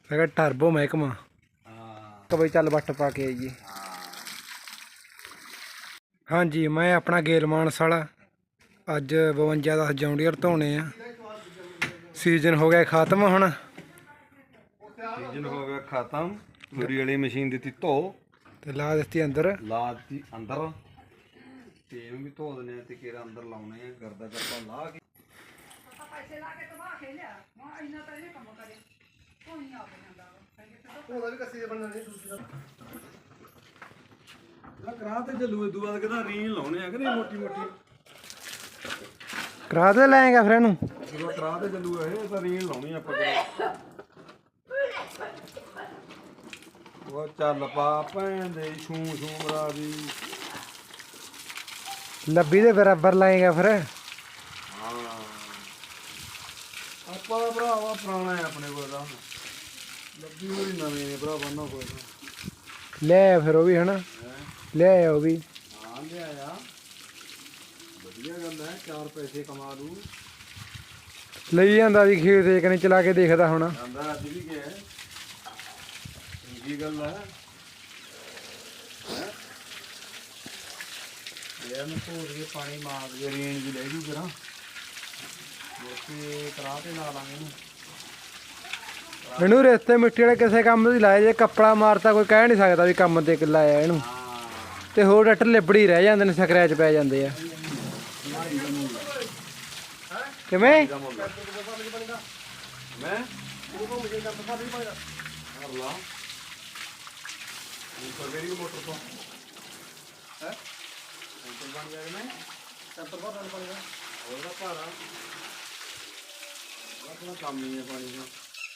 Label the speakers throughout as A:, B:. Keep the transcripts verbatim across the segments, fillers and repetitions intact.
A: ਹੈਗਾ ਟਰਬੋ ਮਹਿਕਮਾ।
B: ਹਾਂ
A: ਤਾਂ ਬਈ ਚੱਲ ਵੱਟ ਪਾ ਕੇ ਆਈਏ। ਹਾਂਜੀ ਮੈਂ ਆਪਣਾ ਗੇਲ ਮਾਨਸ ਵਾਲਾ ਅੱਜ ਬਵੰਜਾ ਦਸ ਜੌਂਡੀਅਰ ਧੋਣੇ ਆ। ਸੀਜ਼ਨ ਹੋ ਗਿਆ ਖਤਮ ਹੁਣ।
B: ਸੀਜ਼ਨ ਹੋ ਗਿਆ ਖਤਮ। ਤੂੜੀ ਵਾਲੀ ਮਸ਼ੀਨ ਦਿੱਤੀ ਧੋ
A: ਤੇ ਲਾ ਦਿੱਤੀ ਅੰਦਰ।
B: ਲਾ ਦਿੱਤੀ ਅੰਦਰ ਤੇ ਇਹਨੂੰ ਵੀ ਧੋ ਦਿੰਦੇ ਆ ਤੇ ਕਿਹੜਾ ਅੰਦਰ ਲਾਉਣੇ ਆ। ਗਰਦਾ ਕਰਪਾ ਲਾ ਕੇ ਉਹਦਾ ਵੀ ਕੱਸੀ ਬਣਨਾ ਨਹੀਂ ਦੂਸਰਾ ਕਰਾ ਤੇ ਚੱਲੂ ਇਦੋਂ ਬਾਅਦ ਕਹਿੰਦਾ ਰੀਨ ਲਾਉਣੇ ਆ ਕਿ ਨਹੀਂ ਮੋਟੀ ਮੋਟੀ
A: ਕਰਾ ਤੇ ਲੈਂਗਾ ਫਿਰ ਇਹਨੂੰ
B: ਜਦੋਂ ਕਰਾ ਤੇ ਚੱਲੂਗਾ ਇਹ ਤਾਂ ਰੀਨ ਲਾਉਣੀ ਆਪਾਂ ਉਹ ਚੱਲ ਪਾ ਭੈਣ ਦੇ ਛੂ ਛੂ ਮਰਾ ਦੀ
A: ਲੱਭੀ ਦੇ ਬਰਾਬਰ ਲਾਏਗਾ ਫਿਰ।
B: ਹਾਂ ਆਪਾਂ ਦਾ ਭਰਾਵਾ ਪੁਰਾਣਾ ਹੈ ਆਪਣੇ ਕੋਲ ਦਾ ਲੱਭੀ ਹੋਈ ਨਵੇਂ ਨੇ ਭਰਾ ਬੰਨਾ ਕੋਈ
A: ਲੈ ਫਿਰ ਉਹ ਵੀ ਹਨਾ ਲੈ ਆਇਆ ਉਹ ਵੀ।
B: ਹਾਂ ਲਿਆਇਆ ਵਧੀਆ ਗੱਲ ਹੈ ਚਾਰ ਪੈਸੇ ਕਮਾ ਲੂ।
A: ਲਈ ਜਾਂਦਾ ਜੀ ਖੇਤ ਇੱਕ ਨਹੀਂ ਚਲਾ ਕੇ ਦੇਖਦਾ ਹੁਣ।
B: ਜਾਂਦਾ ਅੱਜ ਵੀ ਗਿਆ ਚੰਗੀ ਗੱਲ ਹੈ ਯਾਰ ਨੂੰ ਧੋ ਕੇ ਪਾਣੀ ਮਾਰ ਕੇ ਰੇਂਜ ਵੀ ਲੈ ਜੂ ਕਰਾਂ ਮੋਟੀ ਕਰਾ ਤੇ ਲਾ ਲਾਂਗੇ ਇਹਨੂੰ।
A: ਇਹਨੂੰ ਰੇਤੇ ਮਿੱਟੀ ਵਾਲੇ ਕਿਸੇ ਕੰਮ ਦੀ ਲਾਇਆ ਜੇ ਕੱਪੜਾ ਮਾਰਤਾ ਕੋਈ ਕਹਿ ਨਹੀਂ ਸਕਦਾ ਵੀ ਕੰਮ ਤੇ ਲਾਇਆ ਇਹਨੂੰ। ਤੇ ਹੋਰ ਡੱਟ ਲਿਬੜੀ ਰਹਿ ਜਾਂਦੇ ਨੇ ਸਕਰੈਚ ਪੈ ਜਾਂਦੇ ਆ। ਕਿਵੇਂ
B: ਮੈਂ ਮੋਟਰ ਤੋਂ ਹੈ ਬਣ ਜਾਏਗਾ ਮੈਂ ਟੈਂਪਰ ਭਰ ਦੇਣਾ ਪਾਣੀ ਦਾ ਉਹਦਾ ਭਾਰਾ ਆਪਣਾ ਕੰਮ ਹੀ ਹੈ ਪਾਣੀ ਦਾ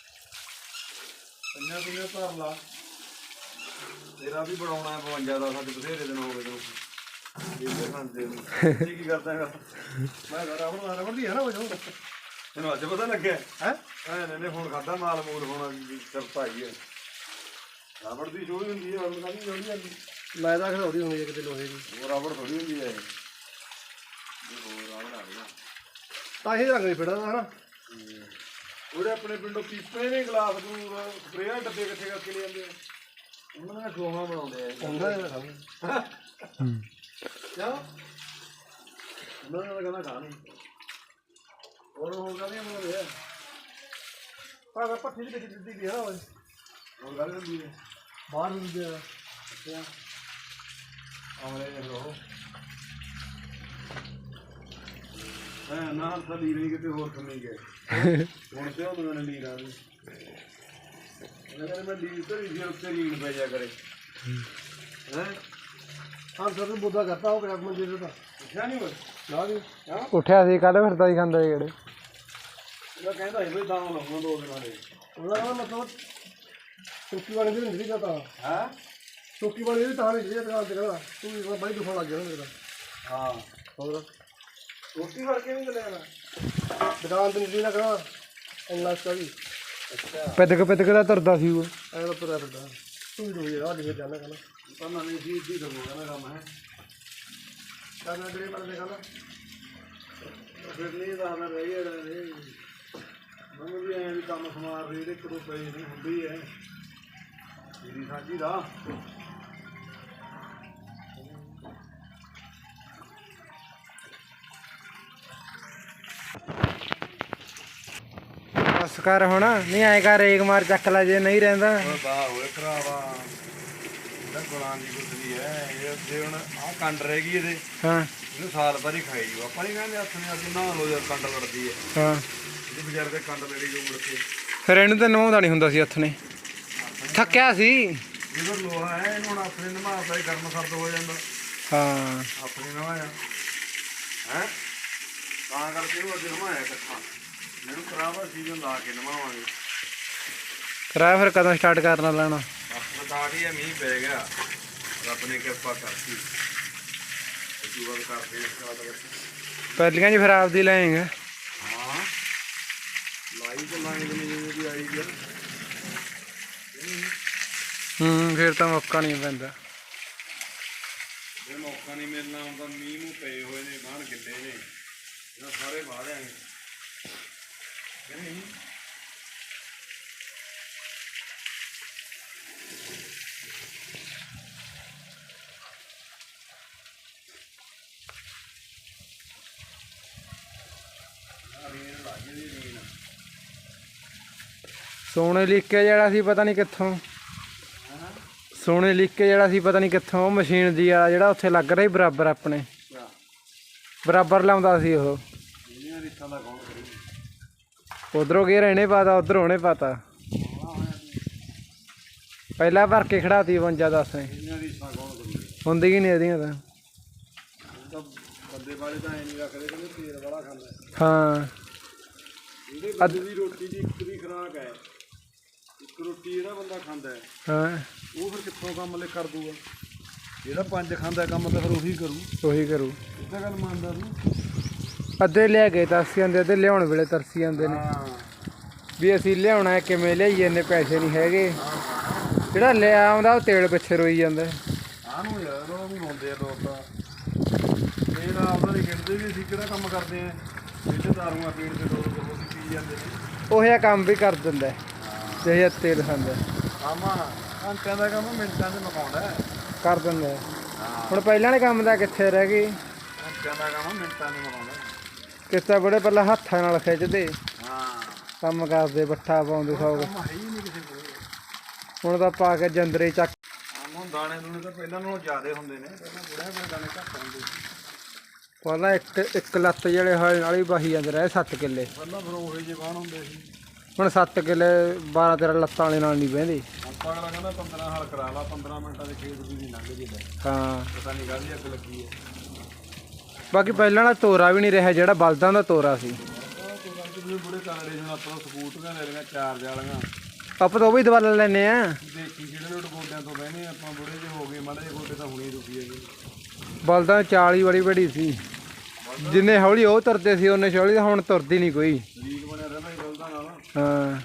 B: ਪੰਜਾਂ ਪੰਜਾਂ ਭਰ ਲਾ ਤੇਰਾ ਵੀ ਬਣਾਉਣਾ ਬਵੰਜਾ ਦਾ ਸਾਡੇ ਬਥੇਰੇ ਦਿਨ ਹੋ ਗਏ ਤੈਨੂੰ ਇਹ ਖਾਂਦੇ ਨੂੰ ਕੀ ਕਰਦਾ ਹੈਗਾ ਮੈਂ ਰਬੜ ਰਬੜ ਦੀ ਹੈ ਨਾ ਉਹ ਤੈਨੂੰ ਅੱਜ ਪਤਾ ਲੱਗਿਆ ਹੈ ਐ ਨੇ ਹੁਣ ਖਾਦਾ ਮਾਲ ਮੂਲ ਹੋਣਾ ਕਰਤਾ ਹੀ ਹੈ ਰਬੜ ਦੀ ਜੋੜੀ ਹੁੰਦੀ ਹੈ ਰਬੜ ਦਾ ਨਹੀਂ ਜੋੜੀ ਜਾਂਦੀ।
A: ਮੈਂ ਤਾਂ ਖੜਾਉਦੀ ਹੁੰਦੀ ਹੈ ਕਿਤੇ ਲੋਹੇ ਦੀ।
B: ਉਹ ਰਬੜ ਥੋੜੀ ਹੁੰਦੀ ਹੈ ਹੋਰ ਰਬੜ ਆ ਗਿਆ
A: ਤਾਂ ਹੀ ਰੰਗ ਨਹੀਂ ਫਿਰਦਾ ਹਨਾ।
B: ਉਹਦੇ ਆਪਣੇ ਪਿੰਡੋਂ ਪੀਪੇ ਨੇ ਗਲਾਸ ਨੂੰ ਸਪਰੇਅ ਡੱਬੇ ਇਕੱਠੇ ਕਰਕੇ ਲੈ ਜਾਂਦੇ ਆ ਉਹਨਾਂ ਦਾ ਖੋਵਾ ਬਣਾਉਂਦੇ ਆ ਉਹਨਾਂ ਦਾ ਕਿਆ ਉਹਨਾਂ ਦਾ ਕਹਿੰਦਾ ਖਾ ਨਹੀਂ ਹੋਰ ਹੋਰ ਕਹਿੰਦੇ ਬਣਾਉਂਦੇ ਆ ਪਰ ਪੱਠੀ ਦੀ ਦਿੱਤੀ ਗਈ ਹੈ ਨਾ ਹੋਰ ਗੱਲ ਹੁੰਦੀ ਹੈ ਬਾਹਰ ਹੁੰਦੀ ਹੈ ਅੱਛਾ ਆਮਲੇ ਲੋ ਹਾਂ ਨਾਲ ਤਾਂ ਲੀਰ ਨਹੀਂ ਕਿਤੇ ਹੋਰ ਕੰਮੀ ਗਏ ਹੁਣ ਤੇ ਉਹ ਮੈਨੂੰ ਲੀਰ ਆ ਗਈ ਉਹਨਾਂ ਮੈਂ ਲੀਰ ਤੇ ਲੀਰ ਉੱਤੇ ਲੀਰ ਪੈ ਜਾ ਕਰੇ ਹੈ ਹਾਂ ਸਰ ਬੁੱਧਾ ਕਰਤਾ ਉਹ ਕਿਹੜਾ ਮੰਜੇ ਦਾ ਉੱਠਿਆ ਨਹੀਂ ਹੋਇਆ ਨਾ ਜੀ
A: ਉੱਠਿਆ ਸੀ ਕੱਲ ਫਿਰਦਾ ਹੀ ਖਾਂਦਾ ਜਿਹੜੇ
B: ਉਹ ਕਹਿੰਦਾ ਸੀ ਵੀ ਤਾਂ ਲਾਉਣਾ ਦੋ ਦਿਨਾਂ ਦੇ
A: ਉਹਦਾ ਕਹਿੰਦਾ ਮਤਲਬ ਸੁੱਕੀ ਵਾਲੀ ਦੀ ਹੁੰਦੀ ਤਾਂ
B: ਹੈ
A: ਸੁੱਕੀ ਵਾਲੀ ਦੀ ਤਾਂ ਨਹੀਂ ਸੀ ਦੁਕਾਨ ਤੇ ਕਹਿੰਦਾ ਤੂੰ ਬਾਈ ਦੁਖਣ ਲੱਗ ਗਿਆ ਨਾ ਮੇਰਾ।
B: ਹਾਂ
A: ਹੋਰ
B: ਰੋਟੀ ਫੜ ਕੇ ਨਹੀਂ ਚੱਲਿਆ ਨਾ
A: ਦੁਕਾਨ ਤੇ ਨਹੀਂ ਲੱਗਣਾ ਇੰਨਾ ਸਟਾ ਵੀ
B: ਅੱਛਾ
A: ਪਿੱਦਕ ਪਿੱਦਕ ਦਾ ਤੁਰਦਾ ਸੀ ਉਹ ਐਂ ਤਾਂ ਤੁਰਿਆ ਫਿਰਦਾ ਤੂੰ ਵੀ ਰੋਈ ਰਾਹ ਦੇ ਜਾਣਾ ਕਹਿੰਦਾ
B: ਤਾਂ ਨਹੀਂ ਜੀ ਜੀ ਦਊਗਾ ਨਾ ਕੰਮ ਹੈ
A: ਕਹਿੰਦਾ ਜਿਹੜੇ ਬਾਰੇ ਦੇਖਣਾ
B: ਫਿਰ ਨਹੀਂ ਤਾਂ ਮੈਂ ਰਹੀ ਹੈ ਮੈਨੂੰ ਵੀ ਐਂ ਵੀ ਕੰਮ ਸਮਾਰ ਰਹੀ ਇੱਕ ਦੋ ਪਏ ਨਹੀਂ ਹੁੰਦੀ ਹੈ ਮੇਰੀ ਸਾਂਝੀ ਦਾ
A: ਬਸ ਕਰ ਹੁਣ ਨਹੀਂ ਆਏ ਕਰ ਰੇਕ ਮਾਰ ਚੱਕ ਲੈ ਜੇ ਨਹੀਂ ਰਹਿੰਦਾ।
B: ਉਹ ਵਾਹ ਹੋਏ ਭਰਾਵਾ ਇਹਦਾ ਗੁਲਾਂ ਦੀ ਗੁੱਦਲੀ ਹੈ ਇਹ ਜੇ ਹੁਣ ਆਹ ਕੰਡ ਰਹਿ ਗਈ ਇਹਦੇ
A: ਹਾਂ
B: ਇਹਨੂੰ ਸਾਲ ਭਰ ਹੀ ਖਾਈ ਜਾਓ ਆਪਾਂ ਨਹੀਂ ਕਹਿੰਦੇ ਹੱਥ ਨੇ ਅੱਜ ਨਹਾ ਲਓ ਜਦ ਕੰਡ ਵੜਦੀ ਹੈ
A: ਹਾਂ
B: ਇਹਦੇ ਵਿਚਾਰੇ ਦੇ ਕੰਡ ਲੜੀ ਜੋ ਮੁੜ ਕੇ
A: ਫਿਰ ਇਹਨੂੰ ਤਾਂ ਨਹਾਉਂਦਾ ਨਹੀਂ ਹੁੰਦਾ ਸੀ ਹੱਥ ਨੇ ਥੱਕਿਆ ਸੀ
B: ਇਹਦਾ ਲੋਹਾ ਹੈ ਇਹਨੂੰ ਹੁਣ ਆਪਣੇ ਨਮਾਤਾ ਹੀ ਗਰਮ ਸਰਦ ਹੋ ਜਾਂਦਾ
A: ਹਾਂ
B: ਆਪਣੇ ਨਵਾਇਆ ਹੈ ਤਾਂ ਕਰਕੇ ਉਹ ਅੱਜ ਨਵਾਇਆ ਇਕੱਠਾ ਮੈਨੂੰ ਖਰਾਬਾ ਸੀਜ਼ਨ ਲਾ ਕੇ ਨਵਾਵਾਂਗੇ
A: ਕਰਾਇਆ ਫਿਰ ਕਦੋਂ ਸਟਾਰਟ ਕਰਨਾ ਲੈਣਾ
B: ਬਸ ਸਟਾਰਟ ਹੀ ਹੈ ਮੀਂਹ ਪੈ ਗਿਆ ਰੱਬ ਨੇ ਕਿਰਪਾ ਕਰਤੀ ਇਹ ਵਾਰ ਕਰਦੇ ਸਟਾਰਟ
A: ਪਹਿਲੀਆਂ ਜੀ ਫਿਰ ਆਪਦੀ ਲੈਂਗੇ
B: ਹਾਂ ਲਾਈ ਤੇ ਲਾਈ ਤੇ ਜਿਵੇਂ ਦੀ ਆਈ ਗਿਆ
A: ਹੂੰ ਫਿਰ ਤਾਂ ਮੌਕਾ ਨਹੀਂ ਪੈਂਦਾ
B: ਜੇ ਮੌਕਾ ਨਹੀਂ ਮਿਲਣਾ ਹੁੰਦਾ ਮੀਂਹ ਨੂੰ ਪਏ ਹੋਏ ਨੇ ਬਾਹਰ ਗਿੱਲੇ ਨੇ ਇਹਨਾਂ ਸਾਰੇ ਬਾਹਰ ਆਏ ਨਹੀਂ
A: ਸੋਨੇ ਲੀਕੇ ਜਿਹੜਾ ਸੀ ਪਤਾ ਨਹੀਂ ਕਿੱਥੋਂ ਸੋਨੇ ਲੀਕੇ ਜਿਹੜਾ ਸੀ ਪਤਾ ਨਹੀਂ ਕਿੱਥੋਂ ਮਸ਼ੀਨ ਦੀ ਆ ਜਿਹੜਾ ਉੱਥੇ ਲੱਗ ਰਿਹਾ ਸੀ ਬਰਾਬਰ ਆਪਣੇ ਬਰਾਬਰ ਲਾਉਂਦਾ ਸੀ ਉਹ ਉਧਰੋਂ ਗੇਰ ਇਹਨੇ ਪਾਤਾ ਉਧਰ ਉਹਨੇ ਪਾਤਾ ਪਹਿਲਾਂ ਭਰ ਕੇ ਖੜਾਤੀ ਬਵੰਜਾ ਦਸ ਨੇ ਹੁੰਦੀ ਹੀ ਨਹੀਂ ਇਹਦੀਆਂ ਤਾਂ
B: ਬੰਦੇ ਵਾਲੇ ਤਾਂ ਐ ਨਹੀਂ ਰੱਖਦੇ ਕਹਿੰਦੇ ਤੇਲ ਵਾਲਾ ਖਾਂਦਾ
A: ਹਾਂ
B: ਇਹਦੇ ਬੰਦੇ ਦੀ ਰੋਟੀ ਦੀ ਇੱਕ ਦੀ ਖੁਰਾਕ ਹੈ ਇੱਕ ਰੋਟੀ ਜਿਹੜਾ ਬੰਦਾ ਖਾਂਦਾ ਹੈ
A: ਹਾਂ
B: ਉਹ ਫਿਰ ਕਿੱਥੋਂ ਕੰਮ ਲੈ ਕਰ ਦੂਗਾ ਜਿਹੜਾ ਪੰਜ ਖਾਂਦਾ ਕੰਮ ਤਾਂ ਫਿਰ ਉਹੀ ਕਰੂ
A: ਉਹੀ ਕਰੂ
B: ਇੱਦਾਂ ਗੱਲ ਮੰਨਦਾ ਤੂੰ
A: ਅੱਧੇ ਲਿਆ ਕੇ ਤਰਸੀ ਜਾਂਦੇ ਅੱਧੇ ਲਿਆਉਣ ਵੇਲੇ ਤਰਸੀ ਜਾਂਦੇ ਨੇ ਵੀ ਅਸੀਂ ਲਿਆਉਣਾ ਕਿਵੇਂ ਲਿਆਈਏ ਇੰਨੇ ਪੈਸੇ ਨਹੀਂ ਹੈਗੇ ਜਿਹੜਾ ਲਿਆ ਆਉਂਦਾ ਉਹ ਤੇਲ ਪਿੱਛੇ ਰੋਈ ਜਾਂਦਾ
B: ਆਹ ਨੂੰ ਯਾਰ ਉਹਨਾਂ ਨੂੰ ਰੋਂਦੇ ਆ ਲੋਕ ਤਾਂ ਇਹ ਨਾ ਆਪਣਾ ਨਹੀਂ ਖੇਡਦੇ ਵੀ ਅਸੀਂ ਕਿਹੜਾ ਕੰਮ ਕਰਦੇ ਆ ਜਿਹੜੇ ਦਾਰੂਆਂ ਪੀਣ ਤੇ ਲੋਕ ਉਹ ਪੀ ਜਾਂਦੇ ਨੇ
A: ਉਹ ਜਿਹਾ ਕੰਮ ਵੀ ਕਰ ਦਿੰਦਾ ਜਿਹੋ ਜਿਹਾ ਤੇਲ ਖਾਂਦਾ
B: ਆਮਾ ਘੰਟਿਆਂ ਦਾ ਕੰਮ ਮਿੰਟਾਂ 'ਚ ਮੁਕਾਉਂਦਾ
A: ਕਰ ਦਿੰਦਾ ਹੁਣ ਪਹਿਲਾਂ ਵਾਲੇ ਕੰਮ ਦਾ ਕਿੱਥੇ ਰਹਿ ਗਈ
B: ਘੰਟਿਆਂ ਦਾ ਕੰਮ ਮਿੰਟਾਂ 'ਚ ਮੁਕਾਉਂਦਾ
A: ਕਿੱਥੇ ਬੜੇ ਪਹਿਲਾਂ ਹੱਥਾਂ ਨਾਲ ਖਿੱਚਦੇ
B: ਹਾਂ
A: ਕੰਮ ਕਰਦੇ ਬੱਠਾ ਪਾਉਂਦੇ ਸੌ
B: ਕੰਮ ਹੈ ਹੀ ਨਹੀਂ ਕਿਸੇ ਕੋਲ
A: ਹੁਣ ਤਾਂ ਪਾ ਕੇ ਜੰਦਰੇ ਚੱਕ
B: ਆਮ ਹੁਣ ਦਾਣੇ ਦੂਣੇ ਤਾਂ ਪਹਿਲਾਂ ਨਾਲੋਂ ਜ਼ਿਆਦੇ ਹੁੰਦੇ ਨੇ ਪਹਿਲਾਂ ਬੁੜਿਆਂ ਕੋਲ ਦਾਣੇ ਘੱਟ ਹੁੰਦੇ ਸੀ
A: ਪਹਿਲਾਂ ਇੱਕ ਇੱਕ ਲੱਤ ਜਿਹੜੇ ਹਾਲੇ ਨਾਲ ਹੀ ਵਾਹੀ ਜਾਂਦੇ ਰਹੇ ਸੱਤ ਕਿੱਲੇ
B: ਪਹਿਲਾਂ ਫਿਰ ਉਹੇ ਜਿਹੇ ਬਾਣ ਹੁੰਦੇ ਸੀ
A: ਹੁਣ ਸੱਤ ਕਿੱਲੇ ਬਾਰਾਂ ਤੇਰਾਂ ਲੱਤਾਂ ਵਾਲੇ ਨਾਲ ਨਹੀਂ ਬਹਿੰਦੇ
B: ਹੁਣ ਤਾਂ ਅਗਲਾ ਕਹਿੰਦਾ ਪੰਦਰਾਂ ਹਲ ਕਰਾ ਲਾ ਪੰਦਰਾਂ ਮਿੰਟਾਂ ਦੇ ਖੇਤ ਦੀ ਵੀ ਲੰਘ ਜੇ
A: ਹਾਂ
B: ਪਤਾ ਨਹੀਂ ਕਾਹਦੀ ਅੱਗ ਲੱਗੀ ਹੈ
A: ਬਾਕੀ ਪਹਿਲਾਂ ਵਾਲਾ ਤੋਰਾ ਵੀ ਨਹੀਂ ਰਿਹਾ ਜਿਹੜਾ ਬਲਦਾਂ ਦਾ ਤੋਰਾ ਸੀ
B: ਬੁੜੇ ਕਾਲੇ ਜਿਹਾ ਆਪਾਂ ਸਕੂਟਰੀਆਂ ਲੈ ਲਈਆਂ ਚਾਰਜ ਵਾਲੀਆਂ
A: ਆਪਾਂ ਤਾਂ ਉਹ ਵੀ ਦਵਾ ਲੈਨੇ ਆ
B: ਦੇਖੀ ਜਿਹੜੇ ਲੋਟ ਗੋਡਿਆਂ ਤੋਂ ਬਹਿਨੇ ਆਪਾਂ ਬੁੜੇ ਜਿਹੇ ਹੋ ਗਏ ਮਾੜੇ ਜਿਹੇ ਗੋਡੇ ਤਾਂ ਹੁਣੇ ਦੁਖੀ ਹੈਗੇ
A: ਬਲਦਾਂ ਦੀ ਚਾਲ ਹੀ ਬੜੀ ਬੜੀ ਸੀ ਜਿੰਨੇ ਹੌਲੀ ਉਹ ਤੁਰਦੇ ਸੀ ਉਹਨੇ ਹੌਲੀ ਹੁਣ ਤੁਰਦੀ ਨਹੀਂ ਕੋਈ
B: ਲੀਕ ਬਣਿਆ ਰਹਿੰਦਾ ਹੀ ਬਲਦਾਂ ਨਾਲ
A: ਹਾਂ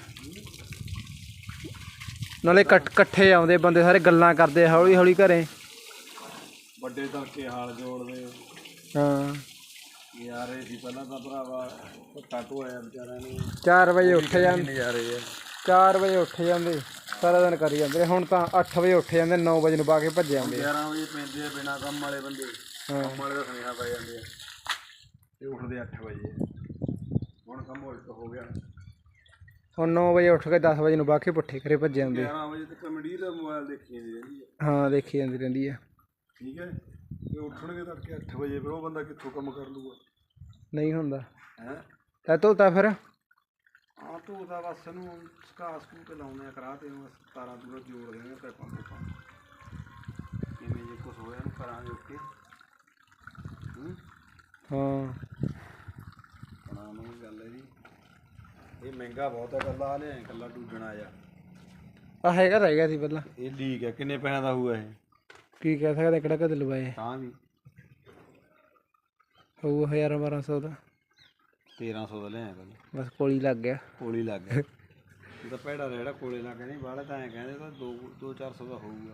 A: ਨਾਲੇ ਇਕੱਠੇ ਆਉਂਦੇ ਬੰਦੇ ਸਾਰੇ ਗੱਲਾਂ ਕਰਦੇ ਹੌਲੀ ਹੌਲੀ ਘਰੇ
B: ਵੱਡੇ ਤੜਕੇ ਹਾਲ ਜੋੜਦੇ
A: ਹਾਂ
B: ਯਾਰ ਇਹ ਸੀ ਪਹਿਲਾਂ ਤਾਂ ਭਰਾਵਾ ਟਾਟੂ ਆਇਆ ਵਿਚਾਰਿਆਂ ਨੂੰ
A: ਚਾਰ ਵਜੇ ਉੱਠ ਜਾਂਦੇ
B: ਨਜ਼ਾਰੇ ਆ
A: ਚਾਰ ਵਜੇ ਉੱਠ ਜਾਂਦੇ ਸਾਰਾ ਦਿਨ ਕਰੀ ਜਾਂਦੇ ਹੁਣ ਤਾਂ ਅੱਠ ਵਜੇ ਉੱਠ ਜਾਂਦੇ ਨੌ ਵਜੇ ਨੂੰ ਪਾ ਕੇ ਭੱਜ ਜਾਂਦੇ
B: ਗਿਆਰਾਂ ਵਜੇ ਪੈਂਦੇ ਆ ਬਿਨਾਂ ਕੰਮ ਵਾਲੇ ਬੰਦੇ ਕੰਮ ਵਾਲੇ ਦਾ ਸੁਨੇਹਾ ਪੈ ਜਾਂਦੇ ਆ ਤੇ ਉੱਠਦੇ ਅੱਠ ਵਜੇ ਹੁਣ ਕੰਮ ਉਲਟ ਹੋ ਗਿਆ
A: ਹੁਣ ਨੌ ਵਜੇ ਉੱਠ ਕੇ ਦਸ ਵਜੇ ਨੂੰ ਬਾਕੀ ਪੁੱਠੇ ਘਰੇ ਭੱਜ ਜਾਂਦੇ
B: ਗਿਆਰਾਂ ਵਜੇ ਤੱਕ ਕਮੇਡੀ ਦਾ ਮੋਬਾਈਲ ਦੇਖੀ ਜਾਂਦੀ ਰਹਿੰਦੀ ਹੈ
A: ਹਾਂ ਦੇਖੀ ਜਾਂਦੀ ਰਹਿੰਦੀ ਆ
B: ਠੀਕ ਹੈ ਤੇ ਉੱਠਣਗੇ ਤੜਕੇ ਅੱਠ ਵਜੇ ਫਿਰ ਉਹ ਬੰਦਾ ਕਿੱਥੋਂ ਕੰਮ ਕਰ ਲੂਗਾ
A: ਨਹੀਂ ਹੁੰਦਾ
B: ਹੈ
A: ਤਾਂ ਧੋਤਾ ਫਿਰ
B: ਹਾਂ ਤੂੰ ਤਾਂ ਬਸ ਇਹਨੂੰ ਸਕਾ ਸਕੂ ਤੇ ਲਾਉਂਦੇ ਆ ਕਰਾ ਤੇ ਬਸ ਤਾਰਾਂ ਤੂਰਾਂ ਜੋੜ ਦੇਣਗੇ ਪੈਪਾਂ ਪੂਪਾਂ ਕਿਵੇਂ ਜੇ ਕੁਛ ਹੋਇਆ ਇਹਨੂੰ ਕਰਾਂਗੇ ਓਕੇ
A: ਹਾਂ
B: ਬਣਾ ਨੂੰ ਗੱਲ ਹੈ ਜੀ ਇਹ ਮਹਿੰਗਾ ਬਹੁਤ ਹੈ ਕੱਲਾ ਲਿਆ ਕੱਲਾ ਡੂਜਣਾ ਜਾ
A: ਆ ਹੈਗਾ ਰਹਿ ਗਿਆ ਸੀ ਪਹਿਲਾਂ
B: ਇਹ ਲੀਕ ਹੈ ਕਿੰਨੇ ਪੈਸਿਆਂ ਦਾ ਹੋਊਗਾ ਇਹ
A: ਕੀ ਕਹਿ ਸਕਦੇ ਕਿਹੜਾ ਕਦ ਲਵਾਏ
B: ਤਾਂ ਵੀ
A: ਹੋਊ ਹਜ਼ਾਰ ਬਾਰਾਂ ਸੌ ਦਾ
B: ਤੇਰਾਂ ਸੌ ਦਾ ਲਿਆ ਕੱਲ
A: ਬਸ ਕੋਲੀ ਲੱਗ ਗਿਆ
B: ਕੋਲੀ ਲੱਗ ਗਿਆ ਇਹ ਤਾਂ ਭੈੜਾ ਜਿਹੜਾ ਕੋਲੇ ਲੱਗ ਨਹੀਂ ਬਾਹਲੇ ਤਾਂ ਐਂ ਕਹਿੰਦੇ ਤਾਂ ਦੋ ਦੋ ਚਾਰ ਸੌ ਦਾ ਹੋਊਗਾ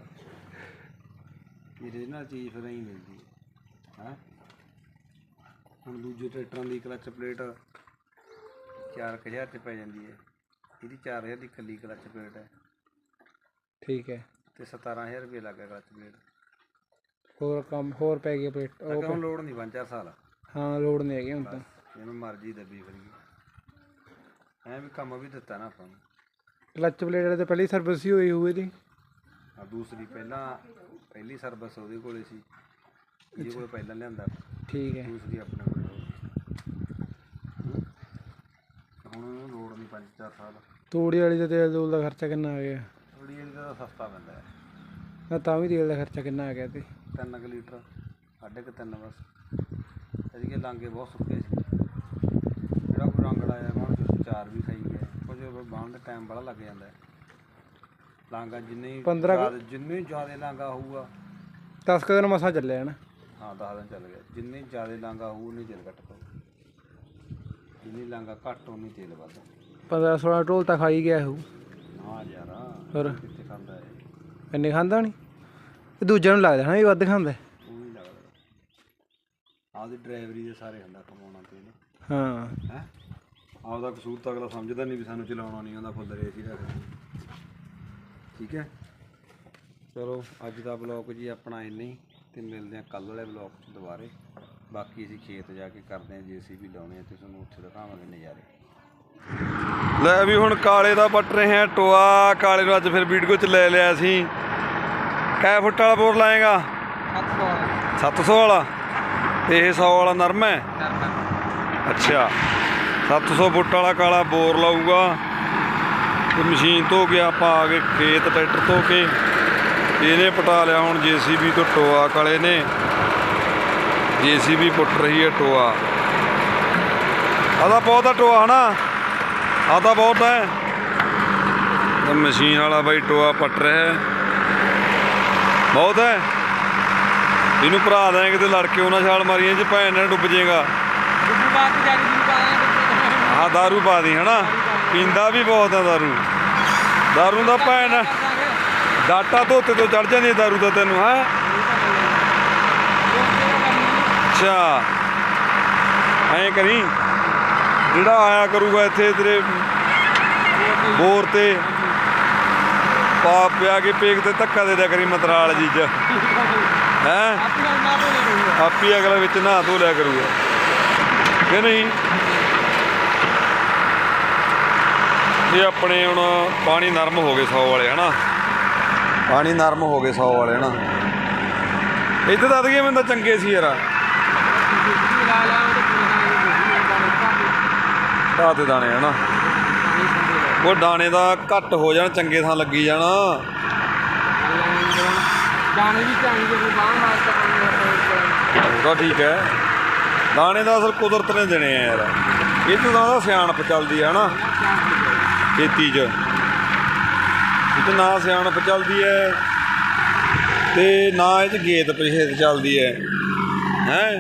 B: ਇਹਦੇ ਨਾਲ ਚੀਜ਼ ਫਿਰ ਐਂ ਮਿਲਦੀ ਹੈ ਹੁਣ ਦੂਜੇ ਟਰੈਕਟਰਾਂ ਦੀ ਕਲੱਚ ਪਲੇਟ ਚਾਰ ਕੁ ਹਜ਼ਾਰ 'ਚ ਪੈ ਜਾਂਦੀ ਹੈ ਇਹਦੀ ਚਾਰ ਹਜ਼ਾਰ ਦੀ ਇਕੱਲੀ ਕਲੱਚ ਪਲੇਟ ਹੈ
A: ਠੀਕ ਹੈ
B: ਤੇ ਸਤਾਰਾਂ ਹਜ਼ਾਰ ਰੁਪਏ ਲੱਗ ਗਿਆ ਕਲੱਚ ਪਲੇਟ
A: ਹੋਰ ਕੰਮ ਹੋਰ ਪੈ ਗਿਆ ਪਲੇਟ
B: ਉਹ ਹੁਣ ਲੋੜ ਨਹੀਂ ਪੰਜ ਚਾਰ ਸਾਲ
A: ਹਾਂ ਲੋੜ ਨਹੀਂ ਹੈਗੀ ਹੁਣ ਤਾਂ
B: ਜਿਵੇਂ ਮਰਜ਼ੀ ਦੱਬੀ ਫਿਰੀ ਐਂ ਵੀ ਕੰਮ ਵੀ ਦਿੱਤਾ ਨਾ ਆਪਾਂ ਨੂੰ
A: ਕਲੱਚ ਪਲੇਟ ਤੇ ਪਹਿਲੀ ਸਰਵਿਸ ਹੀ ਹੋਈ ਹੋਈ ਇਹਦੀ
B: ਆ ਦੂਸਰੀ ਪਹਿਲਾਂ ਪਹਿਲੀ ਸਰਵਿਸ ਉਹਦੇ ਕੋਲੇ ਸੀ ਜਿਹਦੇ ਕੋਲ ਪਹਿਲਾਂ ਲਿਆਂਦਾ
A: ਠੀਕ ਹੈ
B: ਦੂਸਰੀ ਆਪਣੇ ਕੋਲ ਹੁਣ ਉਹਨੂੰ ਲੋੜ ਨਹੀਂ ਪੰਜ ਚਾਰ ਸਾਲ
A: ਤੂੜੀ ਵਾਲੀ ਦਾ ਤੇਲ ਤੂਲ ਦਾ ਖਰਚਾ ਕਿੰਨਾ ਆ ਗਿਆ
B: ਥੋੜੀ ਇਹਦਾ ਤਾਂ ਸਸਤਾ ਪੈਂਦਾ ਹੈ
A: ਨਾ ਤਾਂ ਵੀ ਤੇਲ ਦਾ ਖਰਚਾ ਕਿੰਨਾ ਆ ਗਿਆ ਤੇ
B: ਤਿੰਨ ਕੁ ਲੀਟਰ ਸਾਢੇ ਕੁ ਤਿੰਨ ਬਸ ਇਹਦੇ ਲਾਂਗੇ ਬਹੁਤ ਸੁੱਕੇ ਸੀ ਜਿਹੜਾ ਕੋਈ ਰੰਗ ਲਾਇਆ ਬਾਣ ਚ ਚਾਰ ਵੀ ਖਾਈ ਗਿਆ ਕੁਝ ਬਾਣ ਦਾ ਟਾਈਮ ਬੜਾ ਲੱਗ ਜਾਂਦਾ ਹੈ ਲਾਂਗਾ ਜਿੰਨੇ
A: ਪੰਦਰਾਂ
B: ਜਿੰਨੇ ਜ਼ਿਆਦਾ ਲਾਂਗਾ ਹੋਊਗਾ
A: ਦਸ ਕੁ ਦਿਨ ਮਸਾਂ ਚੱਲਿਆ ਨਾ
B: ਹਾਂ ਦਸ ਦਿਨ ਚੱਲ ਗਿਆ ਜਿੰਨੇ ਜ਼ਿਆਦਾ ਲਾਂਗਾ ਹੋਊ ਉਨੀ ਤੇਲ ਘੱਟ ਪਊ ਜਿੰਨੀ ਲਾਂਗਾ ਘੱਟ ਉਨੀ ਤੇਲ ਵੱਧ
A: ਪੰਦਰਾਂ ਸੋਲਾਂ ਢੋਲ ਤਾਂ ਖਾਈ ਗਿਆ ਹੋਊ
B: ਹਾਂ ਯਾਰ
A: ਹੋਰ
B: ਕਿੱਥੇ ਖਾਂਦਾ ਹੈ
A: ਇੰਨੇ ਖਾਂਦਾ ਨਹੀਂ ਇਹ ਦੂਜਿਆਂ ਨੂੰ ਲੱਗਦਾ ਨਾ ਵੀ ਵੱਧ ਖਾਂਦਾ
B: ਉਹ ਨਹੀਂ ਲੱਗਦਾ ਆਪਦੀ ਡਰਾਈਵਰੀ ਦੇ ਸਾਰੇ ਹੁੰਦਾ ਕਮਾਉਣਾ ਤੇਲ
A: ਹਾਂ
B: ਹੈ ਆਪਦਾ ਕਸੂਰ ਤਾਂ ਅਗਲਾ ਸਮਝਦਾ ਨਹੀਂ ਵੀ ਸਾਨੂੰ ਚਲਾਉਣਾ ਨਹੀਂ ਆਉਂਦਾ ਫੁੱਲ ਰੇਸ ਹੀ ਰੱਖਦੇ ਠੀਕ ਹੈ ਚਲੋ ਅੱਜ ਦਾ ਬਲੌਗ ਜੀ ਆਪਣਾ ਇੰਨਾ ਹੀ ਤੇ ਮਿਲਦੇ ਹਾਂ ਕੱਲ੍ਹ ਵਾਲੇ ਬਲੌਗ 'ਚ ਦੁਬਾਰੇ ਬਾਕੀ ਅਸੀਂ ਖੇਤ ਜਾ ਕੇ ਕਰਦੇ ਹਾਂ ਜੇ ਅਸੀਂ ਵੀ ਲਾਉਣੇ ਆ ਤੇ ਤੁਹਾਨੂੰ ਉੱਥੇ ਦਿਖਾਵਾਂਗੇ ਨਜ਼ਾਰੇ। ਲੈ ਵੀ ਹੁਣ ਕਾਲੇ ਦਾ ਪੱਟ ਰਹੇ ਆ ਟੋਆ। ਕਾਲੇ ਨੂੰ ਅੱਜ ਫਿਰ ਵੀਡੀਓ 'ਚ ਲੈ ਲਿਆ ਅਸੀਂ। ਕੈ ਫੁੱਟ ਵਾਲਾ ਬੋਰ ਲਾਏਗਾ? ਸੱਤ ਸੌ ਵਾਲਾ। ਇਹ ਸੌ ਵਾਲਾ ਨਰਮ ਹੈ। ਅੱਛਾ, ਸੱਤ ਸੌ ਫੁੱਟ ਵਾਲਾ ਕਾਲਾ ਬੋਰ ਲਾਊਗਾ। ਤੇ ਮਸ਼ੀਨ ਧੋ ਕੇ ਆਪਾਂ ਆ ਗਏ ਖੇਤ ਟਰੈਕਟਰ ਧੋ ਕੇ। ਇਹਨੇ ਪਟਾ ਲਿਆ ਹੁਣ ਜੇ ਸੀ ਬੀ ਤੋਂ ਟੋਆ। ਕਾਲੇ ਨੇ ਜੇ ਸੀ ਬੀ ਪੁੱਟ ਰਹੀ ਹੈ ਟੋਆ। ਆਦਾ ਬਹੁਤ ਆ ਟੋਆ ਹੈ ਨਾ, ਆਦਾ ਬਹੁਤ ਹੈ। ਮਸ਼ੀਨ ਵਾਲਾ ਬਾਈ ਟੋਆ ਪੱਟ ਰਿਹਾ ਬਹੁਤ ਹੈ। ਇਹਨੂੰ ਭਰਾ ਦੇਂ ਕਿਤੇ ਲੜ ਕੇ ਉਹਨਾਂ ਛਾਲ ਮਾਰੀਆਂ 'ਚ ਭੈਣ ਨਾਲ ਡੁੱਬ ਜਾਏਗਾ। ਹਾਂ ਦਾਰੂ ਪਾ ਦੀ ਹੈ ਨਾ, ਪੀਂਦਾ ਵੀ ਬਹੁਤ ਆ ਦਾਰੂ। ਦਾਰੂ ਦਾ ਭੈਣ ਡਾਟਾ ਧੋਤੇ ਤੋਂ ਚੜ ਜਾਂਦੀ ਦਾਰੂ ਦਾ ਤੈਨੂੰ ਹੈ। ਅੱਛਾ ਐਂ ਕਰੀ, ਜਿਹੜਾ ਆਇਆ ਕਰੂਗਾ ਇੱਥੇ ਤੇਰੇ ਬੋਰ ਤੇ ਪਾ ਪਿਆ ਕੇ ਪੇਕ ਤੇ ਧੱਕਾ ਦੇ ਦਿਆ ਕਰੀ ਮਤਰਾਲ ਜੀ 'ਚ ਹੈਂ। ਆਪੀ ਅਗਲਾ ਵਿੱਚ ਨਹਾ ਧੋ ਲਿਆ ਕਰੂਗਾ ਕਿ ਨਹੀਂ। ਇਹ ਆਪਣੇ ਹੁਣ ਪਾਣੀ ਨਰਮ ਹੋ ਗਏ ਸੌ ਵਾਲੇ ਹੈ ਨਾ, ਪਾਣੀ ਨਰਮ ਹੋ ਗਏ ਸੌ ਵਾਲੇ ਹੈ ਨਾ। ਇੱਥੇ ਦੱਸ ਗਏ ਮੈਨੂੰ ਤਾਂ ਚੰਗੇ ਸੀ ਯਾਰ। ਢਾਹ ਤੇ ਦਾਣੇ ਹੈ ਨਾ, ਉਹ ਦਾਣੇ ਦਾ ਘੱਟ ਹੋ ਜਾਣ, ਚੰਗੇ ਥਾਂ ਲੱਗੀ ਜਾਣਾ। ਉਹਦਾ ਠੀਕ ਹੈ, ਦਾਣੇ ਦਾ ਅਸਲ ਕੁਦਰਤ ਨੇ ਦੇਣੇ ਆ ਯਾਰ। ਇਹ ਤੋਂ ਤਾਂ ਸਿਆਣਪ ਚੱਲਦੀ ਹੈ ਨਾ ਖੇਤੀ 'ਚ। ਇਹ 'ਚ ਨਾ ਸਿਆਣਪ ਚੱਲਦੀ ਹੈ ਤੇ ਨਾ ਇਹ 'ਚ ਗੇਤ ਪਛੇਤ ਚੱਲਦੀ ਹੈ ਹੈਂ।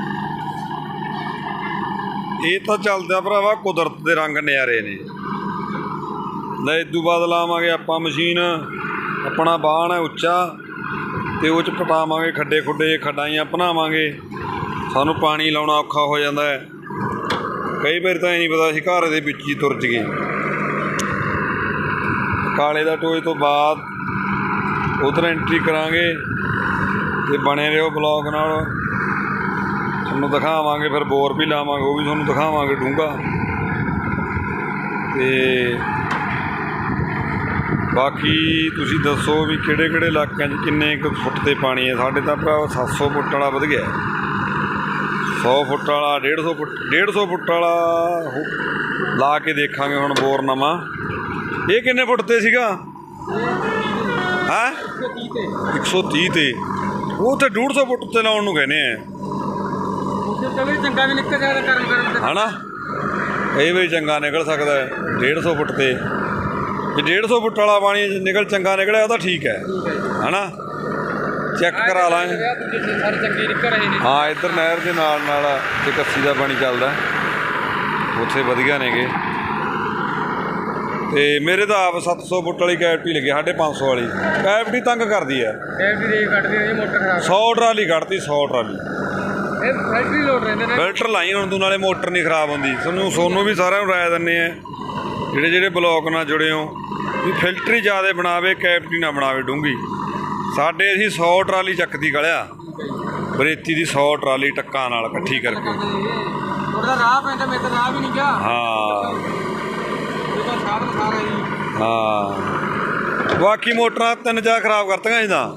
B: ਇਹ ਤਾਂ ਚੱਲਦਾ ਭਰਾਵਾ ਕੁਦਰਤ ਦੇ ਰੰਗ ਨਿਆਰੇ ਨੇ। ਲੈ ਇਦੋਂ ਬਾਅਦ ਲਾਵਾਂਗੇ ਆਪਾਂ ਮਸ਼ੀਨ। ਆਪਣਾ ਬਾਣ ਹੈ ਉੱਚਾ ਅਤੇ ਉਹ 'ਚ ਪਟਾਵਾਂਗੇ ਖੱਡੇ ਖੁੱਡੇ, ਖੱਡਾਈਆਂ ਭਨਾਵਾਂਗੇ। ਸਾਨੂੰ ਪਾਣੀ ਲਾਉਣਾ ਔਖਾ ਹੋ ਜਾਂਦਾ ਹੈ ਕਈ ਵਾਰ, ਤਾਂ ਇਹ ਨਹੀਂ ਪਤਾ ਅਸੀਂ ਘਰ ਦੇ ਵਿੱਚ ਹੀ ਤੁਰ ਜੀਏ। ਕਾਲੇ ਦਾ ਟੋਏ ਤੋਂ ਬਾਅਦ ਉੱਧਰ ਐਂਟਰੀ ਕਰਾਂਗੇ ਅਤੇ ਬਣੇ ਰਹੋ ਬਲੌਗ ਨਾਲ। ਤੁਹਾਨੂੰ ਦਿਖਾਵਾਂਗੇ ਫਿਰ ਬੋਰ ਵੀ ਲਾਵਾਂਗੇ, ਉਹ ਵੀ ਤੁਹਾਨੂੰ ਦਿਖਾਵਾਂਗੇ ਡੂੰਘਾ। ਅਤੇ ਬਾਕੀ ਤੁਸੀਂ ਦੱਸੋ ਵੀ ਕਿਹੜੇ ਕਿਹੜੇ ਇਲਾਕਿਆਂ 'ਚ ਕਿੰਨੇ ਕੁ ਫੁੱਟ 'ਤੇ ਪਾਣੀ ਹੈ। ਸਾਡੇ ਤਾਂ ਭਰਾ ਸੱਤ ਸੌ ਫੁੱਟ ਵਾਲਾ ਵਧ ਗਿਆ, ਸੌ ਫੁੱਟ ਵਾਲਾ, ਡੇਢ ਸੌ ਫੁੱਟ ਡੇਢ ਸੌ ਫੁੱਟ ਵਾਲਾ ਲਾ ਕੇ ਦੇਖਾਂਗੇ ਹੁਣ ਬੋਰ ਨਵਾਂ। ਇਹ ਕਿੰਨੇ ਫੁੱਟ 'ਤੇ ਸੀਗਾ? ਹੈਂ ਇੱਕ ਸੌ ਤੀਹ 'ਤੇ। ਉਹ ਤਾਂ ਡੇਢ ਸੌ ਫੁੱਟ 'ਤੇ ਲਾਉਣ ਨੂੰ ਕਹਿੰਦੇ ਆ ਹੈ ਨਾ। ਕਈ ਵਾਰੀ ਚੰਗਾ ਨਿਕਲ ਸਕਦਾ ਹੈ ਡੇਢ ਸੌ ਫੁੱਟ 'ਤੇ। ਜੇ ਡੇਢ ਸੌ ਫੁੱਟ ਵਾਲਾ ਪਾਣੀ ਨਿਕਲ ਚੰਗਾ ਨਿਕਲਿਆ ਉਹ ਤਾਂ ਠੀਕ ਹੈ ਹੈ ਨਾ। ਚੈੱਕ ਕਰਾ ਲਾਂਗੇ। ਹਾਂ ਇੱਧਰ ਨਹਿਰ ਦੇ ਨਾਲ ਨਾਲ ਤੇ ਕੱਸੀ ਦਾ ਪਾਣੀ ਚੱਲਦਾ, ਉੱਥੇ ਵਧੀਆ ਨੇਗੇ। ਅਤੇ ਮੇਰੇ ਤਾਂ ਆਪ ਸੱਤ ਸੌ ਫੁੱਟ ਵਾਲੀ ਕੈਵਟੀ ਲੱਗੀ, ਸਾਢੇ ਪੰਜ ਸੌ ਵਾਲੀ ਕੈਵਟੀ ਤੰਗ ਕਰਦੀ ਹੈ। ਸੌ ਟਰਾਲੀ ਕੱਢਤੀ, ਸੌ ਟਰਾਲੀ ਫਿਲਟਰ ਲਾਈ ਹੁਣ ਤੂੰ, ਨਾਲੇ ਮੋਟਰ ਨਹੀਂ ਖਰਾਬ ਹੁੰਦੀ। ਤੁਹਾਨੂੰ ਸੋਨੂੰ ਵੀ ਸਾਰਿਆਂ ਨੂੰ ਰਾਏ ਦਿੰਦੇ ਆ ਜਿਹੜੇ ਜਿਹੜੇ ਬਲੌਕ ਨਾਲ ਜੁੜੇ ਹੋ ਵੀ ਫਿਲਟਰ ਹੀ ਜ਼ਿਆਦਾ ਬਣਾਵੇ, ਕੈਵਟੀ ਨਾ ਬਣਾਵੇ ਡੂੰਘੀ। ਸਾਡੇ ਅਸੀਂ ਸੌ ਟਰਾਲੀ ਚੱਕਦੀ ਗਲਿਆ ਬਰੇਤੀ ਦੀ, ਸੌ ਟਰਾਲੀ ਟੱਕਾਂ ਨਾਲ ਇਕੱਠੀ ਕਰਕੇ। ਹਾਂ ਹਾਂ ਬਾਕੀ ਮੋਟਰਾਂ ਤਿੰਨ ਚਾਰ ਖਰਾਬ ਕਰਤੀਆਂ ਸੀ ਤਾਂ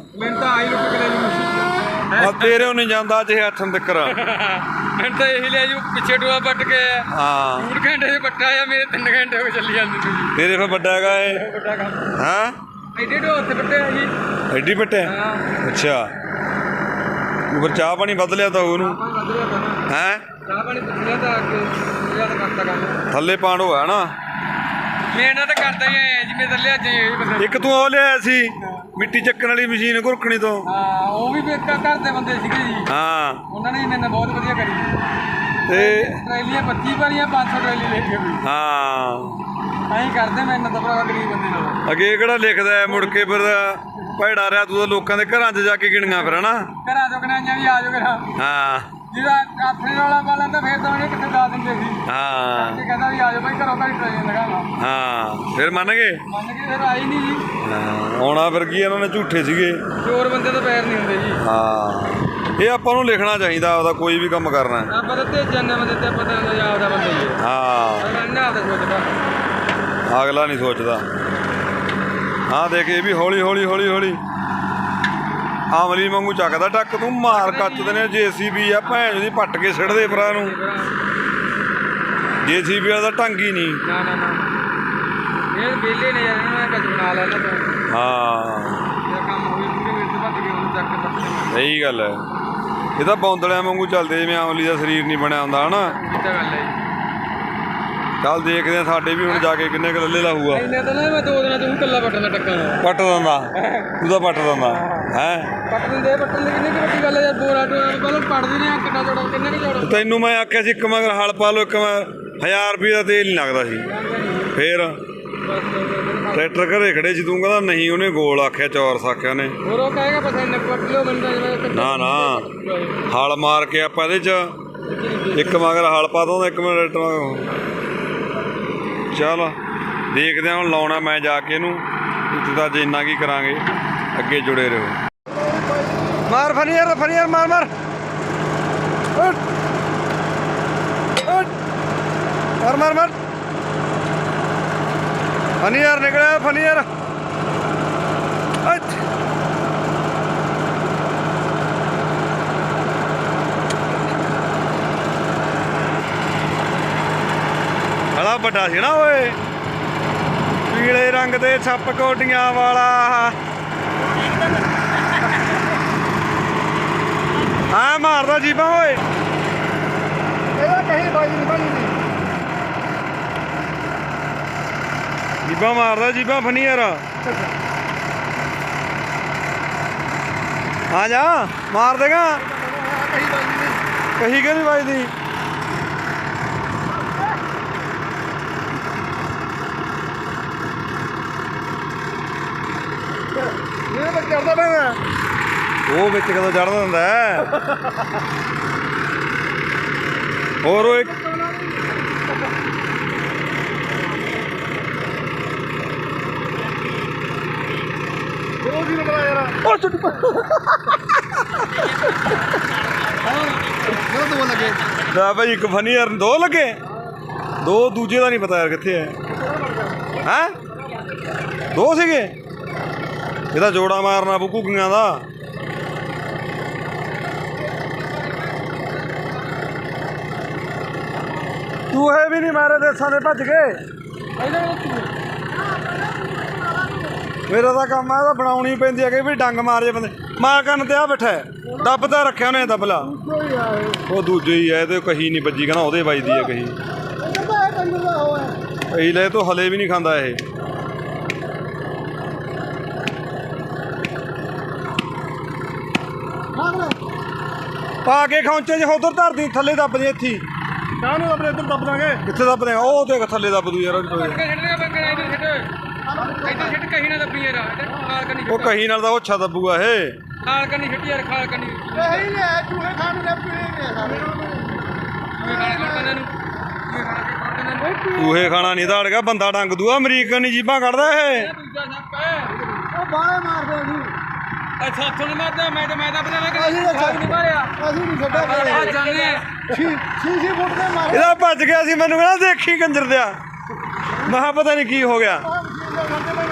B: ਤੇਰੇ ਨਹੀਂ ਜਾਂਦਾ ਜੇ ਹੱਥ ਤੱਕਰ।
C: ਮੈਨੂੰ ਤਾਂ ਇਹੀ ਲਿਆ ਜੀ ਪਿੱਛੇ ਟੋਆ ਪੱਟ ਕੇ
B: ਹਾਂ
C: ਡੂਢ ਘੰਟੇ ਦੇ ਪੱਟਾ ਆ, ਮੇਰੇ ਤਿੰਨ ਘੰਟੇ ਹੋ ਗਏ ਚੱਲੀ ਜਾਂਦੇ ਤੁਸੀਂ।
B: ਤੇਰੇ ਫਿਰ ਵੱਡਾ ਹੈਗਾ ਇਹ
C: ਵੱਡਾ ਕੰਮ
B: ਹਾਂ
C: ਐਡੇ ਟੋਆ ਉੱਥੇ ਪੱਟਿਆ ਜੀ।
B: ਐਡੀ ਪੱਟਿਆ? ਅੱਛਾ ਫਿਰ ਚਾਹ ਪਾਣੀ ਵੱਧ ਲਿਆ ਤਾਂ ਉਹਨੂੰ ਹੈਂ?
C: ਚਾਹ ਪਾਣੀ ਪੁੱਛਿਆ ਤਾਂ ਅੱਗੇ ਜ਼ਿਆਦਾ ਕਰਤਾ ਕੰਮ
B: ਥੱਲੇ ਪਾਣੋ ਹੈ ਨਾ।
C: ਮਿਹਨਤ ਤਾਂ ਕਰਦਾ ਹੀ ਆਇਆ ਜਿਵੇਂ ਤਾਂ ਲਿਆ ਜੇ।
B: ਇੱਕ ਤੂੰ ਉਹ ਲਿਆਇਆ ਸੀ ਮਿੱਟੀ ਚੱਕਣ ਵਾਲੀ ਮਸ਼ੀਨ ਘੁਰਕਣੀ ਤੋਂ।
C: ਹਾਂ ਉਹ ਵੀ ਘਰ ਦੇ ਬੰਦੇ ਸੀਗੇ ਜੀ।
B: ਹਾਂ
C: ਉਹਨਾਂ ਨੇ ਮੈਨੂੰ ਬਹੁਤ ਵਧੀਆ ਕਰੀ
B: ਤੇ
C: ਟਰੈਲੀਆਂ ਪੱਚੀ ਭਰੀਆਂ, ਪੰਜ ਸੌ ਟਰੈਲੀ ਲੈ ਕੇ ਵੀ।
B: ਹਾਂ
C: ਐਂ ਕਰਦੇ ਮੈਨੂੰ ਤਾਂ ਭਰਾ ਗਰੀਬ ਬੰਦੇ ਨਾਲ।
B: ਅੱਗੇ ਕਿਹੜਾ ਲਿਖਦਾ ਹੈ ਮੁੜ ਕੇ ਫਿਰ ਭੈੜਾ ਰਿਹਾ ਤੂੰ ਤਾਂ ਲੋਕਾਂ ਦੇ ਘਰਾਂ 'ਚ ਜਾ ਕੇ ਗਿਣੀਆਂ ਫਿਰ ਹਨਾ।
C: ਘਰਾਂ ਚੋਂ ਕਨਾਈਆਂ ਵੀ ਆ ਜਾਓ ਕਰਾਂ।
B: ਹਾਂ
C: ਜਿਹਦਾ ਆਪਣੇ ਵਾਲਾ ਵਾਲਾ ਤਾਂ ਫੇਰ ਤਾਂ ਉਹਨੇ ਕਿੱਥੇ ਲਾ ਦਿੰਦੇ ਸੀ।
B: ਹਾਂ
C: ਕਹਿੰਦਾ ਵੀ ਆ ਜਾਓ ਭਾਈ ਘਰੋਂ ਘਰ ਟਰੇਨ ਲਗਾਵਾ।
B: ਹਾਂ ਫਿਰ ਮੰਨ ਗਏ?
C: ਮੰਨ ਕੇ ਫਿਰ ਆਈ ਨਹੀਂ ਜੀ।
B: ਹਾਂ ਆਉਣਾ ਫਿਰ ਕੀ ਇਹਨਾਂ ਨੇ ਝੂਠੇ ਸੀਗੇ।
C: ਚੋਰ ਬੰਦੇ ਤਾਂ ਪੈਰ ਨਹੀਂ ਹੁੰਦੇ ਜੀ।
B: ਹਾਂ ਇਹ ਆਪਾਂ ਨੂੰ ਲਿਖਣਾ ਚਾਹੀਦਾ ਆਪਦਾ ਕੋਈ ਵੀ ਕੰਮ ਕਰਨਾ।
C: ਆਪਾਂ ਤਾਂ ਤੇ ਜੰਨੇ ਬੰਦੇ ਤੇ ਪਤਾ ਹੁੰਦਾ ਆਪਦਾ ਬੰਦਾ ਹੀ ਹੈ।
B: ਹਾਂ
C: ਮੈਂ ਆਪਦਾ ਸੋਚਦਾ
B: ਅਗਲਾ ਨਹੀਂ ਸੋਚਦਾ। ਹਾਂ ਦੇਖ ਇਹ ਵੀ ਹੌਲੀ ਹੌਲੀ ਹੌਲੀ ਹੌਲੀ ਆਮਲੀ ਵਾਂਗੂ ਚੱਕਦਾ ਟੱਕ ਤੂੰ ਮਾਰ ਕੱਚਦੇ ਨੇ ਜੇਸੀਬੀ ਆ ਭੈਣ ਦੀ ਪੱਟ ਕੇ ਸਿੱਟਦੇ ਭਰਾ ਨੂੰ। ਜੇਸੀਬੀ ਵਾਲਾ ਤਾਂ ਢੰਗ ਹੀ ਨਹੀਂ।
C: ਨਾ ਨਾ ਨਾ ਇਹ ਵੇਲੇ ਨੇ ਯਾਰ ਇਹਨਾਂ ਨੇ ਕੱਚ ਬਣਾ ਲਿਆ ਨਾ ਤੂੰ।
B: ਹਾਂ
C: ਇਹ ਕੰਮ ਹੋਈ ਪੂਰੇ ਵਿੱਚ ਭੱਜ ਕੇ ਉਹਨੂੰ ਚੱਕ ਕੇ ਪੱਤੇ
B: ਸਹੀ ਗੱਲ ਹੈ। ਇਹ ਤਾਂ ਬੌਂਦਲਿਆਂ ਵਾਂਗੂ ਚੱਲਦੇ ਜਿਵੇਂ ਆਮਲੀ ਦਾ ਸਰੀਰ ਨਹੀਂ ਬਣਿਆ ਹੁੰਦਾ ਹਨਾ।
C: ਇਹ ਤਾਂ ਗੱਲ ਹੈ ਜੀ।
B: ਚੱਲ ਦੇਖਦੇ ਆ ਸਾਡੇ ਵੀ ਹੁਣ ਜਾ ਕੇ ਕਿੰਨੇ ਕੁ ਲੱਲੇ ਲਾਊਗਾ।
C: ਇਹਨੇ ਤਾਂ ਨਾ ਮੈਂ ਦੋ ਦਿਨਾਂ ਤੂੰ ਕੱਲਾ ਪੱਟਣ ਦਾ ਟੱਕਾ ਨਾ
B: ਪੱਟ ਦਿੰਦਾ ਤੂੰ ਤਾਂ ਪੱਟ ਦਿੰਦਾ ਹੈ।
C: ਪੱਟ ਦਿੰਦੇ ਪੱਟਣ ਦੀ ਕਿੰਨੀ ਕੁ ਵੱਡੀ ਗੱਲ ਹੈ ਯਾਰ। ਬੋਰਾ ਟੋਆ ਪਹਿਲਾਂ ਪੱਟਦੇ ਨੇ ਕਿੰਨਾ ਜੋੜਾ ਕਿੰਨੇ ਕੁ ਜੋੜਾ।
B: ਤੈਨੂੰ ਮੈਂ ਆਖਿਆ ਸੀ ਇੱਕ ਮਗਰ ਹਲ ਪਾ ਲਓ ਇੱਕ ਮਗਰ ਹਜ਼ਾਰ ਰੁਪਏ ਦਾ ਤੇਲ ਨਹੀਂ ਲੱਗਦਾ ਸੀ। ਫੇਰ ਟਰੈਕਟਰ ਘਰੇ ਖੜੇ ਸੀ ਤੂੰ ਕਹਿੰਦਾ ਨਹੀਂ ਉਹਨੇ ਗੋਲ ਆਖਿਆ ਚੌਰਸ ਆਖਿਆ ਉਹਨੇ।
C: ਹੋਰ ਉਹ ਕਹੇਗਾ ਪਤਾ ਨਹੀਂ ਪੱਟ ਲਿਓ ਮੈਨੂੰ ਤਾਂ
B: ਨਾ ਨਾ ਹਲ ਮਾਰ ਕੇ ਆਪਾਂ ਇਹਦੇ ਚ ਇੱਕ ਮਗਰ ਹਲ ਪਾ ਦੋ ਇੱਕ ਮਿੰਟ ਟਰੈਕਟਰ। ਚੱਲ ਦੇਖਦੇ ਹਾਂ ਹੁਣ ਲਾਉਣਾ ਮੈਂ ਜਾ ਕੇ ਇਹਨੂੰ। ਇੱਥੇ ਤਾਂ ਅੱਜ ਇੰਨਾ ਕੀ ਕਰਾਂਗੇ ਅੱਗੇ ਜੁੜੇ ਰਹੋ। ਮਾਰ ਫਨੀ ਯਾਰ ਫਨੀ ਯਾਰ ਮਾਰ ਮਾਰ ਮਾਰ ਮਾਰ ਮਾਰ ਫਨੀ ਯਾਰ ਨਿਕਲਿਆ ਫਨੀ ਯਾਰ। ਬੜਾ ਵੱਡਾ ਸੀ ਨਾ ਓਏ ਪੀਲੇ ਰੰਗ ਦੇ ਛੱਪ ਕੋਟੀਆਂ ਵਾਲਾ। ਹਾਂ ਮਾਰਦਾ ਜੀਬਾਂ ਓਏ ਇਹਦਾ ਕਹੀ ਬਾਜੀ ਨਹੀਂ ਬਣੀ ਸੀ। ਜੀਬਾਂ ਮਾਰਦਾ ਜੀਬਾਂ ਫਨੀ ਯਾਰ। ਆ ਜਾ ਮਾਰ ਦੇਗਾ ਕਹੀ ਕਿ ਨਹੀਂ ਵੱਜਦੀ। ਉਹ ਵਿੱਚ ਕਦੋਂ ਚੜ੍ਹਦਾ ਹੁੰਦਾ ਹੋਰ ਉਹ ਇੱਕ ਲੈ ਭਾਈ ਇੱਕ ਫਨੀ ਯਾਰ ਦੋ ਲੱਗੇ ਦੋ ਦੂਜੇ ਦਾ ਨਹੀਂ ਪਤਾ ਯਾਰ ਕਿੱਥੇ ਹੈ। ਹੈਂ ਦੋ ਸੀਗੇ ਇਹਦਾ ਜੋੜਾ ਮਾਰਨਾ ਬੁੱਕੂਗੀਆਂ ਦਾ। ਚੂਹੇ ਵੀ ਨਹੀਂ ਮਾਰੇ ਦੇਸਾਂ ਦੇ ਭੱਜ ਗਏ। ਮੇਰਾ ਤਾਂ ਕੰਮ ਆ ਇਹਦਾ ਬਣਾਉਣੀ ਪੈਂਦੀ ਹੈ ਕਿ ਵੀ ਡੰਗ ਮਾਰ ਜੇ ਬੰਦੇ। ਮਾਰ ਕੰਨ ਤੇ ਆ ਬੈਠਾ ਦੱਬ ਤਾਂ ਰੱਖਿਆ ਉਹਨੇ ਦਬਲਾ। ਉਹ ਦੂਜੇ ਹੀ ਹੈ ਇਹਦੇ ਕਹੀ ਨਹੀਂ ਵੱਜੀ ਕਹਿੰਦਾ ਉਹਦੇ ਵੱਜਦੀ ਹੈ ਕਹੀ। ਕਹੀ ਲੈ ਤੂੰ ਹਲੇ ਵੀ ਨਹੀਂ ਖਾਂਦਾ ਇਹ। ਪਾ ਕੇ ਖੌਂਚੇ 'ਚ ਉਧਰ ਧਰਦੀ ਥੱਲੇ ਦੱਬ ਦੇ ਇੱਥੇ ਕਾਹਨੂੰ ਆਪਣੇ ਇੱਧਰ ਦੱਬ ਦਾਂਗੇ। ਕਿੱਥੇ ਦੱਬ ਦਿਆਂ ਉਹ ਦੇਖ ਥੱਲੇ ਦੱਬ ਦੂ ਯਾਰ। ਉਹ ਕਹੀ ਨਾਲ ਤਾਂ ਉਹ ਅੱਛਾ ਦੱਬੂਗਾ ਇਹ।
C: ਖਾਲ ਕੰਨੀ ਛੱਡੀ ਯਾਰ ਖਾਲ ਕੰਨੀ ਚੂਹੇ ਖਾਣ
B: ਚੂਹੇ ਖਾਣਾ ਨਹੀਂ ਧਾੜ ਗਿਆ ਬੰਦਾ ਡੰਗ ਦੂਆ ਅਮਰੀਕਨ ਨਹੀਂ ਜੀਬਾਂ ਕੱਢਦਾ ਇਹ।
C: ਉਹ ਬਾਹਲੇ ਮਾਰਦੇ ਸੀ। ਅੱਛਾ ਹੱਥੋਂ ਨਹੀਂ ਮਾਰਦਾ ਮੈਂ ਤਾਂ ਮੈਂ ਤਾਂ ਆਪਣਾ ਮੈਂ ਨਹੀਂ ਮਾਰਿਆ ਅਸੀਂ ਨਹੀਂ ਛੱਡਿਆ ਆ ਜਾਂਦੇ ਛੀ ਛੀ ਫੁੱਟ ਦੇ ਮਾਰੇ।
B: ਇਹਦਾ ਭੱਜ ਗਿਆ ਸੀ ਮੈਨੂੰ ਕਹਿੰਦਾ ਦੇਖੀ ਕੰਜਰ ਦਿਆ। ਮੈਂ ਕਿਹਾ ਪਤਾ ਨਹੀਂ ਕੀ ਹੋ ਗਿਆ।